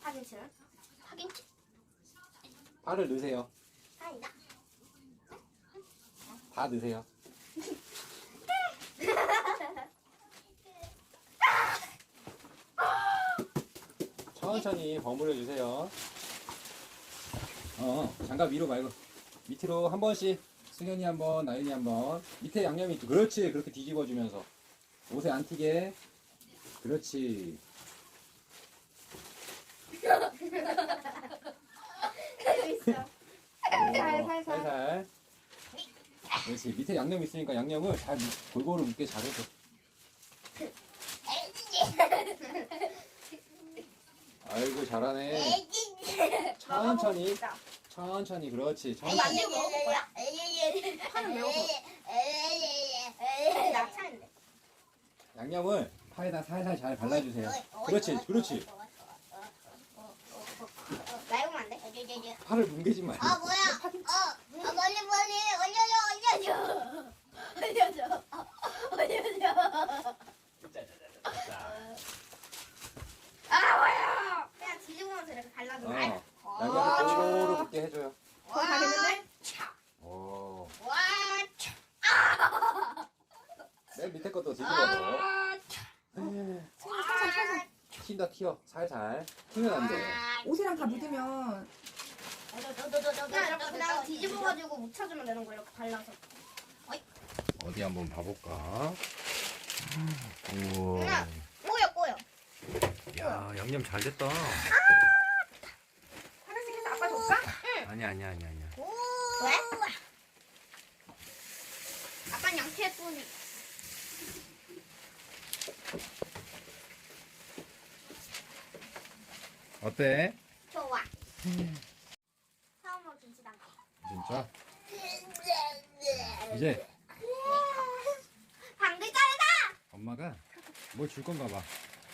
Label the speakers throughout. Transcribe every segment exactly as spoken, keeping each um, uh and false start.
Speaker 1: 파김치는? 파김치?
Speaker 2: 파를 넣으세요.
Speaker 1: 아니다.
Speaker 2: 다 넣으세요. 천천히 버무려 주세요. 어, 장갑 위로 말고 밑으로 한 번씩. 승현이 한 번, 나윤이 한 번. 밑에 양념이 있죠. 그렇지. 그렇게 뒤집어 주면서 옷에 안 튀게. 그렇지.
Speaker 1: 재밌어. 살살살.
Speaker 2: 살살. 그렇지. 밑에 양념 있으니까 양념을 잘 골고루 묻게 잘해줘. 아이고 잘하네. 천천히. 천천히. 그렇지. 천천히.
Speaker 1: 완전 먹을 거야? 파는 매워서. 나 차인데.
Speaker 2: 양념을 파에다 살살 잘 발라주세요. 그렇지. 그렇지.
Speaker 1: 나 해보면 안 돼?
Speaker 2: 파를 뭉개지 말고.
Speaker 3: 아 뭐야? 어, 아, 멀리 멀리 올려줘 올려줘 올려줘 올려줘.
Speaker 1: 아 뭐야? 그냥 뒤집으면서 이렇게 발라줘.
Speaker 2: 어. 양념을 골고루 붓게 해줘요.
Speaker 1: 어, 다 됐는데?
Speaker 2: 오.
Speaker 3: 와,
Speaker 2: 맨 밑에 것도 뒤집어서.
Speaker 1: 아,
Speaker 2: 튄다 튀어. 살살. 튀면 안 돼.
Speaker 4: 옷이랑 다 묻으면
Speaker 1: 그냥 이렇게 그냥 뒤집어가지고 묻혀주면 되는 거야. 이렇게 발라서.
Speaker 2: 어디 한번 봐볼까? 우와.
Speaker 1: 그냥 꼬여 꼬여.
Speaker 2: 야, 양념 잘 됐다.
Speaker 4: 하나씩해서 아빠 줄까?
Speaker 2: 아니야, 아니야, 아니야, 아니야.
Speaker 1: 왜? 아빠는 양치했더니.
Speaker 2: 어때?
Speaker 1: 좋아. 처음으로 김치 담가.
Speaker 2: 진짜? 이제
Speaker 1: 방글 자르다.
Speaker 2: 엄마가 뭘 줄 건가 봐.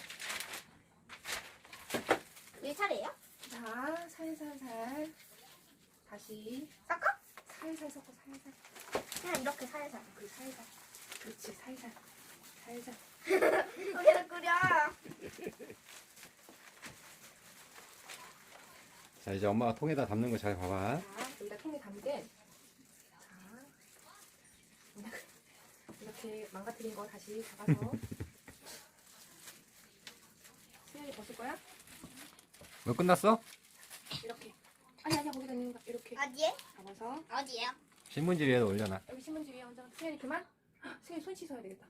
Speaker 1: 내 차례예요?
Speaker 4: 자, 살살살 다시
Speaker 1: 섞어?
Speaker 4: 살살 섞어 살살.
Speaker 1: 그냥 이렇게 살살.
Speaker 4: 그 살살. 그렇지 살살 살살.
Speaker 1: 여기다 끓여.
Speaker 2: 자, 이제 엄마가 통에다 담는 거 잘 봐봐.
Speaker 4: 자, 여기다 통에 담게. 자, 이렇게 망가뜨린 거 다시 잡아서. 수현이 벗을 거야?
Speaker 2: 너 끝났어?
Speaker 4: 이렇게. 아니 아니야 거기다 있는 거 이렇게
Speaker 1: 어디에?
Speaker 4: 잡아서
Speaker 1: 어디에요?
Speaker 2: 신문지 위에 올려놔.
Speaker 4: 여기 신문지 위에 얹어. 수현이 그만. 헉, 수현이 손 씻어야 되겠다.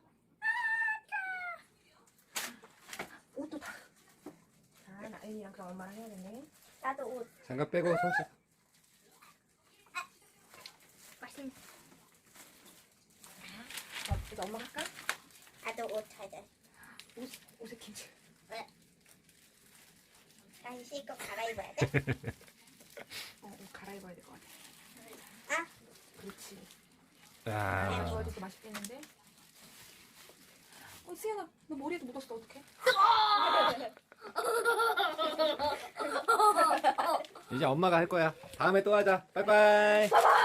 Speaker 4: 옷도 다. 자, 나연이랑 그럼 엄마랑 해야 되네.
Speaker 1: 나도 옷.
Speaker 2: 장갑 빼고 손 씻어.
Speaker 1: 맛있네.
Speaker 4: 자, 이제 엄마 할까?
Speaker 1: 나도 옷 잘 돼.
Speaker 4: 옷, 옷에 김치.
Speaker 1: 다시 씻고 갈아입어야 돼?
Speaker 4: 어, 옷 갈아입어야 될 것 같아.
Speaker 1: 아?
Speaker 4: 그렇지. 그냥
Speaker 2: 자,
Speaker 4: 좋아져서 맛있겠는데? 어, 수연아, 너 머리에도 묻었어. 어떡해?
Speaker 2: 이제 엄마가 할 거야. 다음에 또 하자. 빠이빠이.